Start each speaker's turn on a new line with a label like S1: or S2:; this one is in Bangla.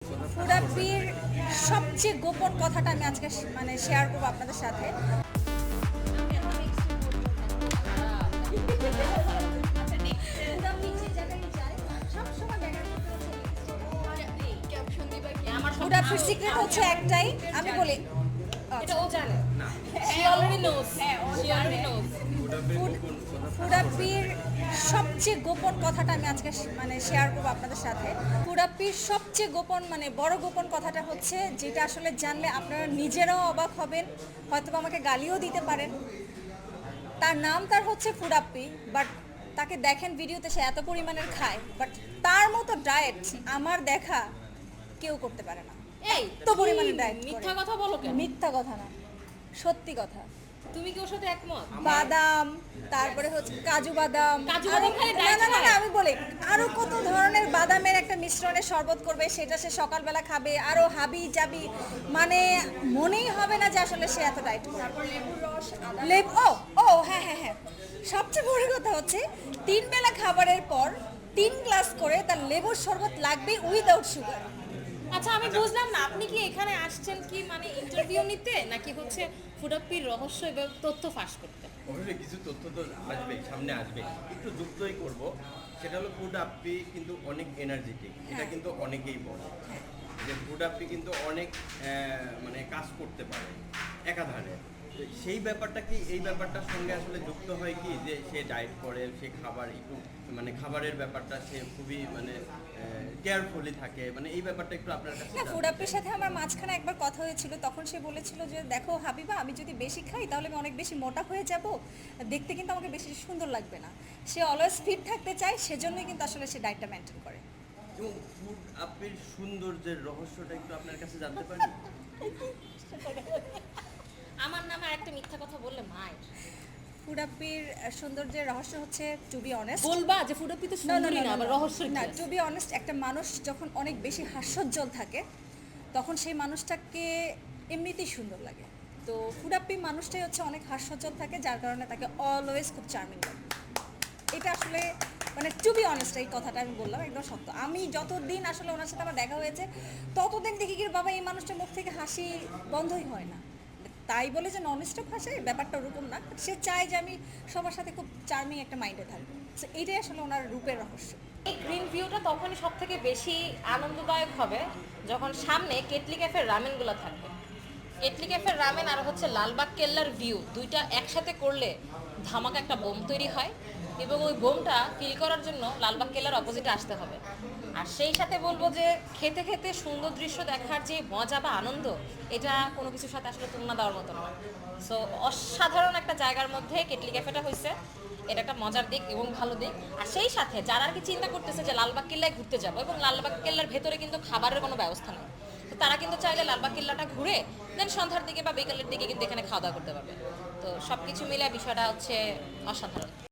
S1: ফুডাপির সবচেয়ে গোপন কথাটা আমি আজকে শেয়ার করবো আপনাদের সাথে। ফুডাপির সিক্রেট হচ্ছে একটাই, আমি বলি
S2: এটা ও জানে she already knows she already knows
S1: ফুডাপির সবচেয়ে গোপন কথাটা আমি আজকে শেয়ার করবো আপনাদের সাথে। ফুডাপির সবচেয়ে গোপন বড় গোপন কথাটা হচ্ছে যেটা আসলে জানলে আপনারা নিজেরাও অবাক হবেন, হয়তো আমাকে গালিও দিতে পারেন। তার হচ্ছে ফুডাপ্পি, বাট তাকে দেখেন ভিডিওতে সে এত পরিমাণের খায়, বাট তার মতো ডায়েট আমার দেখা কেউ করতে পারে না।
S2: এই
S1: এত পরিমাণে ডায়েট
S2: মিথ্যা কথা বলো কেন?
S1: মিথ্যা কথা না, সত্যি কথা।
S2: তুমি কি ওর সাথে একমত?
S1: বাদাম, তারপরে হচ্ছে কাজু বাদাম।
S2: কাজু বাদাম খালি
S1: না
S2: ডায়েট
S1: না না
S2: খায়?
S1: আমি বলি আরো কত ধরনের বাদামের একটা মিশ্রণে শরবত করবে, সেটা সে সকালবেলা খাবে, আরো হাবি জাবি, মনেই হবে না যে আসলে সে এত ডায়েট করে। লেবুর রস, লেবু, ও ও হ্যাঁ হ্যাঁ হ্যাঁ, সবচেয়ে বড় কথা হচ্ছে 3 বেলা খাবারের পর 3 গ্লাস করে তার লেবুর শরবত লাগবে উইদাউট সুগার।
S2: আচ্ছা আমি বুঝলাম না, আপনি কি এখানে আসছেন কি ইন্টারভিউ নিতে, নাকি হচ্ছে ফুডাপ্পির রহস্য এবং তথ্য ফাঁস করতে?
S3: অবশ্যই কিছু তথ্য তো আসবে, সামনে আসবে, একটু যুক্তই করব। সেটা হলো ফুড আপি কিন্তু অনেক এনার্জেটিক, এটা কিন্তু অনেকেই বলে যে ফুড আপি কিন্তু অনেক কাজ করতে পারে একাধারে। তো সেই ব্যাপারটা কি এই ব্যাপারটার সঙ্গে আসলে যুক্ত হয় কি যে সে ডায়েট করে, সে খাবার একটু খাবারের ব্যাপারটা সে খুবই কেয়ারফুলি থাকে, এই ব্যাপারটা একটু আপনার কাছে
S1: না, ফুডাপ্পির সাথে আমার মাঝখানে একবার কথা হয়েছিল, তখন সে বলেছিল যে দেখো হাবিবা, আমি যদি বেশি খাই তাহলে আমি অনেক বেশি মোটা হয়ে যাব, দেখতে কিন্তু আমাকে বেশি সুন্দর লাগবে না। সে অলওয়েজ ফিট থাকতে চায়, সেজন্যই কিন্তু আসলে সে ডায়েটটা মেনটেন করে।
S3: এবং ফুড আপির সৌন্দর্যের রহস্যটা একটু আপনার কাছে জানতে পারি?
S2: আমার নামে আরেকটা মিথ্যা কথা বললে মায়ের।
S1: ফুডাপ্পির সৌন্দর্যের রহস্য হচ্ছে, টু বি অনেস্ট,
S2: বলবা যে ফুডাপ্পি তো সুন্দরী না, আবার রহস্য
S1: না, টু বি অনেস্ট, একটা মানুষ যখন অনেক বেশি হাস্যোজ্জ্বল থাকে তখন সেই মানুষটাকে এমনিতেই সুন্দর লাগে। তো ফুডাপ্পি মানুষটাই হচ্ছে অনেক হাস্যোজ্জ্বল থাকে, যার কারণে তাকে অলওয়েজ খুব চার্মিং লাগে। এটা আসলে টু বি অনেস্ট, এই কথাটা আমি বললাম একদম সত্য। আমি যতদিন আসলে ওনার সাথে আমার দেখা হয়েছে ততদিন দেখি কি বাবা এই মানুষটার মুখ থেকে হাসি বন্ধই হয় না। তাই বলে যে নন স্টপ হাসে, ব্যাপারটা ওরকম না। সে চায় যে আমি সবার সাথে খুব চার্মিং একটা মাইন্ডে থাকবো। সো এইটাই আসলে ওনার রূপের রহস্য।
S2: এই গ্রিন ভিউটা তখনই সব থেকে বেশি আনন্দদায়ক হবে যখন সামনে কেটলি ক্যাফের রামেনগুলো থাকবে। কেটলি ক্যাফের রামেন আর হচ্ছে লালবাগ কেল্লার ভিউ, দুইটা একসাথে করলে ধামাকা একটা বোম তৈরি হয়, এবং ওই বোমটা ফিল করার জন্য লালবাগ কেল্লার অপোজিটে আসতে হবে। আর সেই সাথে বলবো যে খেতে খেতে সুন্দর দৃশ্য দেখার যে মজা বা আনন্দ, এটা কোনো কিছুর সাথে আসলে তুলনা দেওয়ার মতো নয়। সো অসাধারণ একটা জায়গার মধ্যে কেটলি ক্যাফেটা হয়েছে, এটা একটা মজার দিক এবং ভালো দিক। আর সেই সাথে যারা আর কি চিন্তা করতেছে যে লালবাগ কেল্লায় ঘুরতে যাবো, এবং লালবাগ কেল্লার ভেতরে কিন্তু খাবারের কোনো ব্যবস্থা নেই, তো তারা কিন্তু চাইলে লালবাগ কেল্লাটা ঘুরে দেন সন্ধ্যার দিকে বা বিকেলের দিকে কিন্তু এখানে খাওয়া দাওয়া করতে পারবে। তো সব কিছু মিলে বিষয়টা হচ্ছে অসাধারণ।